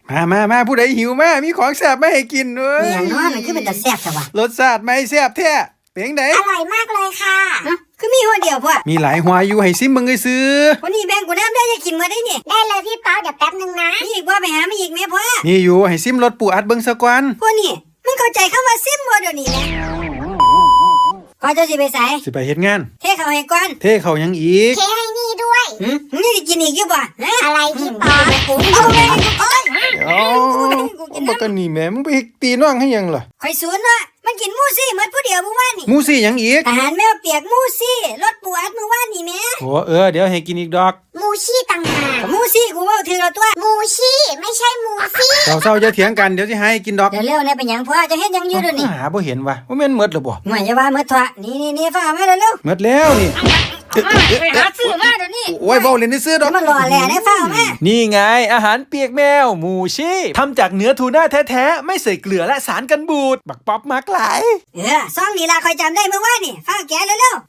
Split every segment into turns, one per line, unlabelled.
มาผู้ใดหิวมามีของแซ่บมาให้กินเว้ย
อย่างน้อยมันคือเป็นตาแซ่บแต่ว่าร
สชาติไม่แซ่บแท้เป็นจังได๋
อร่อยมากเลยค่ะ
คือมีหัวเดียวพ่อ
มีหลายหัวอยู่ให้ซิมเบิ่งซื่อ
วันนี้แบ่งกูน้ำได้จะกินมื้อได้นี่
ได้เลยพี่ป๊อปเดี๋ยวแป๊บนึงนะ
มีอีกบ่ไปหามาอีกแม่พ่อ
นี่อยู่ให้ซิมรสปูอัดเบิ่งซะก่อน
พวกนี่มึงเข้าใจคำว่าซิมบ่เดี๋ยวนี้นะก่อนจะสิไปไส
สิไปเฮ็ดงาน
เทเข้าให้ก่อน
เทเข้ายังอีก
เทให้นี่ด้วย
มึงจะกินอีกอยู่บ่
อะไรพี่ป๊อป
เอาแม่กูก่อน
บักกันนี่แม่มึงไปตีน้องให้ยังล่ะ
ข่อยสวนว่ามันกินหมูซี่หมดผู้เดียวเมื่อวานนี่
หมูซี่ยังอีก
อาหารแมวเปียกหมูซี่รสปูอัดเมื่อวานนี่แม่
โอ้เดี๋ยวให้กินอีกดอก
มูชี่ต่างหาก
หมูซี่กูเว้าถือแล้วตัว
มูชี่ไม่ใช่มูซี่
เศร้าจะเถียงกันเดี๋ยวสิให้กินดอก
เดี๋ยวเร็วๆเป็นหยังพ่อจะเฮ็ดหยังอยู่เดี๋ยวนี้
หาบ่เห็นว่ะว่าแม่นหมดหรือบ่
หน่อยอย่าว่าหมดทว่านี่ฟ้ามาเร็ว
หมดแล้วนี่
ไปหาซื้อมาเดี๋ยวนี้
โอ้ยเว้าเล่นซื้อดอก
มันรอแหล่ได้ฟ้ามา
นี่ไงอาหารเปียกแมวหมูชีทำจากเนื้อทูน่าแท้ๆไม่ใส่เกลือและสารกันบูดบักป๊อปมักหลาย
ซองนี่ล่ะค่อยจำได้เมื่อวานนี่ฟ้าแกะเร็ว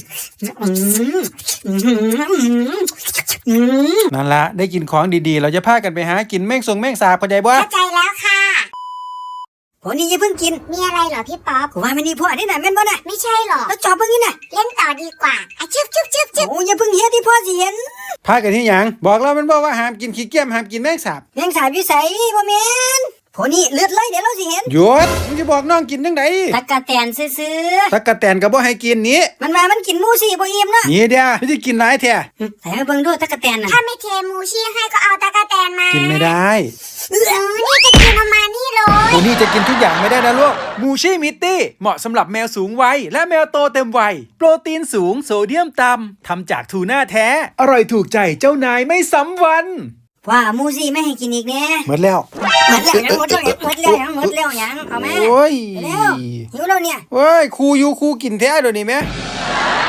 นั่นละได้กินของดีๆเราจะพากันไปหากินแม่งสาบเข้าใจบ่
เข้าใจแล้วค่ะ
พวกนี้อย่าเพิ่งกิน
มีอะไรเหรอพี่ป๊อป
กูว่ามันนี่พวกนี่น่ะแม่นบ่น่ะ
ไม่ใช่หรอ
แล้วจอบเพิ่งนี่น่ะ
เล่นต่อดีกว่าชึบ
โอ้อย่าเพิ่งเฮ็ดที่พ่อสิเห็น
พากันที่หยังบอกเรามันบอกว่าห้ามกินขี้เกียจห้ามกินแมงสาบ
แมงสาบอยู่ไสบ่แม่นพวกนี้เลือดไหลเดี๋ยวเราสิเห็น
หยุดมึงจะบอกน้องกินจังได๋
ตักกะแตนซื่อ
ๆตักกะแตนก็บ่ให้กินนี้
มันว่ามันกินหมูซี่บ่อิ่มเนาะ
นี่เด้อไม่ได้กินหลายแท้
ใส่มาเบิ่งดูตักกะแตนน่ะ
ถ้าไม่เทมูชี่ให้ก็เอาตะกะแตนมา
กินไม่ได้
นี่จะกินออกมานี่เลย
ตัวนี้จะกินทุกอย่างไม่ได้นะลูก
หมูชีมิตตี้เหมาะสำหรับแมวสูงวัยและแมวโตเต็มวัยโปรตีนสูงโซเดียมต่ำทำจากทูน่าแท้อร่อยถูกใจเจ้านายไม่ซ้ำวัน
ว่าหมูซี่ไม่ให้กินอีกแน่
หมดแล้ว
หมดแล้วยังเอามา
โอ้ย
เร็วหิวแล้วเนี่ย
โอ้ยครูอยู่ครูกินแท้เดี๋ยวนี้แม่